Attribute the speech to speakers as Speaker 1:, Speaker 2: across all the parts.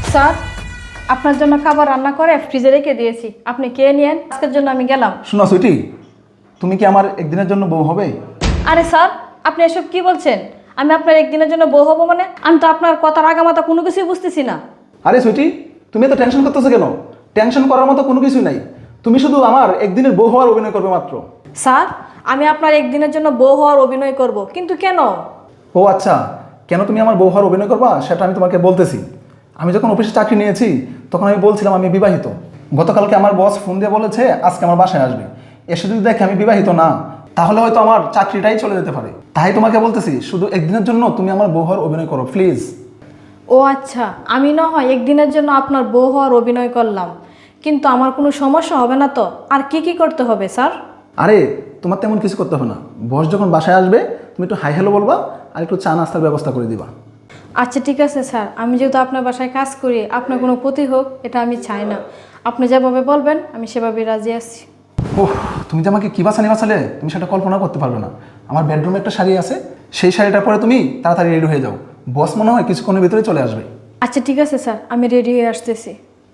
Speaker 1: Sir, আপনার জন্য খাবার রান্না করে ফ্রিজে রেখে দিয়েছি, আপনি খেয়ে নিয়েন। আজকের জন্য আমি গেলাম।
Speaker 2: শোনো সুইটি, তুমি কি আমার একদিনের জন্য বউ হবে?
Speaker 1: আরে স্যার, আপনি এসব কি বলছেন? আমি আপনার একদিনের জন্য বউ হবো মানে? আমি তো আপনার কথার আগামাতা কোনো কিছুই বুঝতেছি না।
Speaker 2: আরে সুইটি, তুমি এত টেনশন করতেছো কেন? টেনশন করার মতো কোনো কিছুই নাই। তুমি শুধু আমার একদিনের বউ হওয়ার অভিনয় করবে মাত্র।
Speaker 1: স্যার, আমি আপনার একদিনের জন্য বউ হওয়ার অভিনয় করব, কিন্তু কেন?
Speaker 2: ও আচ্ছা, কেন তুমি আমার বউ হওয়ার অভিনয় করবা সেটা আমি তোমাকে বলতেছি। আমি যখন অফিসে চাকরি নিয়েছি তখন আমি বলছিলাম আমি বিবাহিত। গতকালকে আমার বস ফোন দিয়ে বলেছে আজকে আমার বাসায় আসবে। এসে যদি দেখে আমি বিবাহিত না, তাহলে হয়তো আমার চাকরিটাই চলে যেতে পারে। তাই তোমাকে বলতেছি শুধু একদিনের জন্য তুমি আমার বউ হওয়ার অভিনয় করো প্লিজ।
Speaker 1: ও আচ্ছা, আমি না হয় একদিনের জন্য আপনার বউ হওয়ার অভিনয় করলাম, কিন্তু আমার কোনো সমস্যা হবে না তো? আর কি কি করতে হবে স্যার?
Speaker 2: আরে তোমার তেমন কিছু করতে হবে না। বস যখন বাসায় আসবে তুমি একটু হাই হ্যালো বলবা আর একটু চা নাস্তার ব্যবস্থা করে দিবা।
Speaker 1: আচ্ছা ঠিক আছে স্যার, আমি যেহেতু আপনার বাসায় কাজ করি, আপনার কোনো ক্ষতি হোক এটা আমি চাই না। আপনি যেভাবে বলবেন আমি সেভাবেই রাজি আছি।
Speaker 2: ওহ, তুমি যে আমাকে কী বাসানি বাসালে তুমি সেটা কল্পনা করতে পারবে না। আমার বেডরুমে একটা শাড়ি আছে, সেই শাড়িটা পরে তুমি তাড়াতাড়ি রেডি হয়ে যাও। বস মনে হয় কিছুক্ষণের ভিতরে চলে আসবে।
Speaker 1: আচ্ছা ঠিক আছে স্যার, আমি রেডি হয়ে আসতেছি।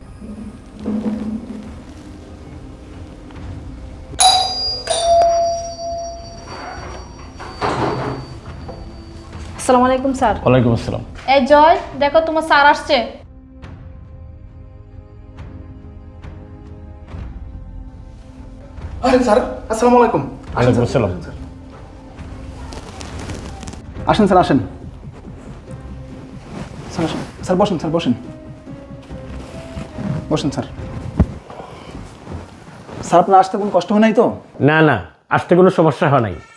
Speaker 1: আসসালামু আলাইকুম স্যার।
Speaker 3: ওয়ালাইকুম আসসালাম।
Speaker 1: এই জয়, দেখো তোমার স্যার আসছে।
Speaker 2: আরে স্যার, আসসালামু আলাইকুম।
Speaker 3: ওয়ালাইকুম আসসালাম।
Speaker 2: আসেন স্যার, আসেন স্যার, আসেন স্যার, বসেন স্যার, বসেন বসেন স্যার। স্যার আপনার আসতে কোনো কষ্ট হয় নাই তো?
Speaker 3: না না, আসতে কোনো সমস্যা হয় নাই।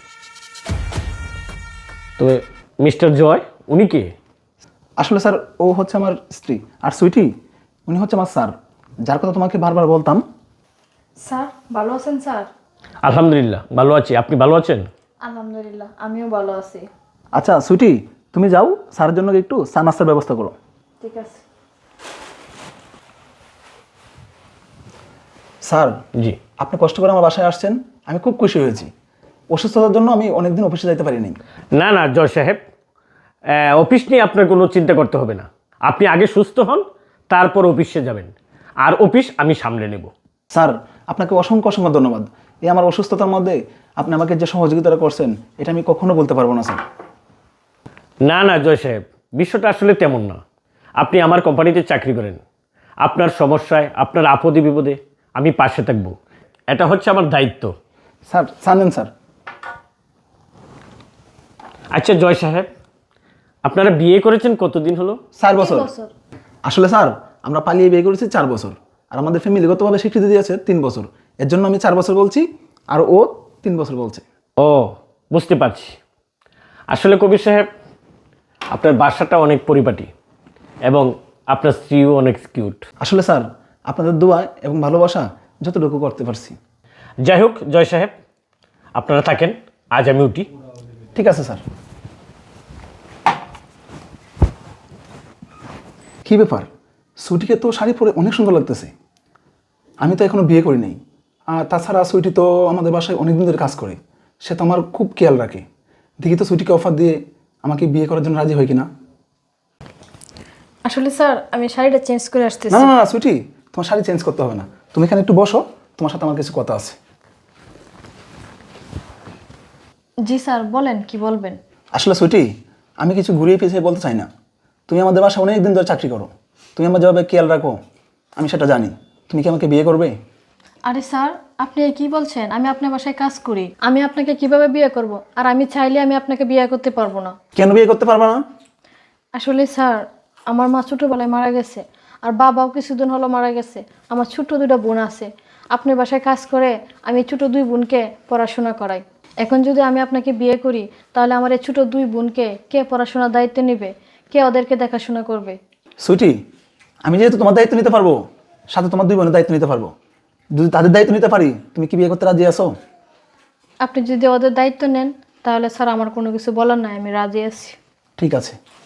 Speaker 3: তো মিস্টার জয় উনি কে?
Speaker 2: আসলে স্যার ও হচ্ছে আমার স্ত্রী, আর সুইটি উনি হচ্ছে আমার স্যার, যার কথা তোমাকে বারবার বলতাম।
Speaker 1: স্যার ভালো আছেন স্যার?
Speaker 3: আলহামদুলিল্লাহ ভালো আছি, আপনি ভালো আছেন?
Speaker 1: আলহামদুলিল্লাহ, আমিও ভালো আছি।
Speaker 2: আচ্ছা সুইটি, তুমি যাও স্যারের জন্য একটু চা নাস্তার ব্যবস্থা করো।
Speaker 1: ঠিক আছে
Speaker 2: স্যার,
Speaker 3: জি।
Speaker 2: আপনি কষ্ট করে আমার বাসায় আসছেন, আমি খুব খুশি হয়েছি। অসুস্থতার জন্য আমি অনেকদিন অফিসে যাইতে পারিনি।
Speaker 3: না না জয় সাহেব, অফিস নিয়ে আপনার কোনো চিন্তা করতে হবে না। আপনি আগে সুস্থ হন, তারপর অফিসে যাবেন, আর অফিস আমি সামলে নেব।
Speaker 2: স্যার, আপনাকে অসংখ্য অসংখ্য ধন্যবাদ। এই আমার অসুস্থতার মধ্যে আপনি আমাকে যে সহযোগিতাটা করছেন এটা আমি কখনো বলতে পারবো না স্যার।
Speaker 3: না না জয় সাহেব, বিষয়টা আসলে তেমন না। আপনি আমার কোম্পানিতে চাকরি করেন, আপনার সমস্যায় আপনার আপদে বিপদে আমি পাশে থাকব, এটা হচ্ছে আমার দায়িত্ব।
Speaker 2: স্যার জানেন স্যার।
Speaker 3: আচ্ছা জয় সাহেব, আপনারা বিয়ে করেছেন কতদিন হলো?
Speaker 2: 4 বছর। আসলে স্যার আমরা পালিয়ে বিয়ে করেছি 4 বছর, আর আমাদের ফ্যামিলিগতভাবে স্বীকৃতি দিয়েছে 3 বছর। এর জন্য আমি 4 বছর বলছি আর ও 3 বছর বলছে।
Speaker 3: ও, বুঝতে পারছি। আসলে কবির সাহেব, আপনার বাসাটা অনেক পরিপাটি এবং আপনার স্ত্রীও অনেক কিউট।
Speaker 2: আসলে স্যার আপনাদের দোয়া এবং ভালোবাসা যতটুকু করতে পারছি।
Speaker 3: যাই হোক জয় সাহেব, আপনারা থাকেন, আজ আমি উঠি।
Speaker 2: ঠিক আছে স্যার। কি ব্যাপার, সুইটিকে তো শাড়ি পরে অনেক সুন্দর লাগতেছে। আমি তো এখনো বিয়ে করি নাই, আর তাছাড়া সুইটি তো আমাদের বাসায় অনেক দিন ধরে কাজ করে, সে তো আমার খুব খেয়াল রাখে। দেখি তো সুইটিকে অফার দিয়ে আমাকে বিয়ে করার জন্য রাজি হয় কিনা।
Speaker 1: আসলে স্যার আমি শাড়িটা চেঞ্জ করে
Speaker 2: না
Speaker 1: আসতেছি।
Speaker 2: না না সুইটি, তোমার শাড়ি চেঞ্জ করতে হবে না, তুমি এখানে একটু বসো, তোমার সাথে আমার কিছু কথা আছে।
Speaker 1: জি স্যার, বলেন কি বলবেন।
Speaker 2: আসলে সুইটি, আমি কিছু ঘুরিয়ে পিছিয়ে বলতে চাই না। তুমি আমাদের বাসায় অনেক দিন ধরে চাকরি করো, তুমি আমার যেভাবে খেয়াল রাখো আমি সেটা জানি। তুমি কি আমাকে বিয়ে করবে?
Speaker 1: আরে স্যার, আপনি কি বলছেন? আমি আপনার বাসায় কাজ করি, আমি আপনাকে কিভাবে বিয়ে করব? আর আমি চাইলে আমি আপনাকে বিয়ে করতে পারবো না।
Speaker 2: কেন বিয়ে করতে পারবে না?
Speaker 1: আসলে স্যার, আমার মা ছোটোবেলায় মারা গেছে, আর বাবাও কিছুদিন হলো মারা গেছে। আমার ছোট 2টা বোন আছে। আপনার বাসায় কাজ করে আমি ছোট 2 বোনকে পড়াশোনা করাই। এখন যদি আমি আপনাকে বিয়ে করি, তাহলে আমার এই ছোট 2 বোনকে কে পড়াশোনার দায়িত্ব নেবে? কে ওদেরকে দেখাশোনা করবে?
Speaker 2: সুইটি, আমি যেহেতু তোমার দায়িত্ব নিতে পারবো, সাথে তোমার 2 বোনের দায়িত্ব নিতে পারবো। যদি তাদের দায়িত্ব নিতে পারি, তুমি কি বিয়ে করতে রাজি আছো?
Speaker 1: আপনি যদি ওদের দায়িত্ব নেন, তাহলে স্যার আমার কোনো কিছু বলার নাই, আমি রাজি আছি।
Speaker 2: ঠিক আছে।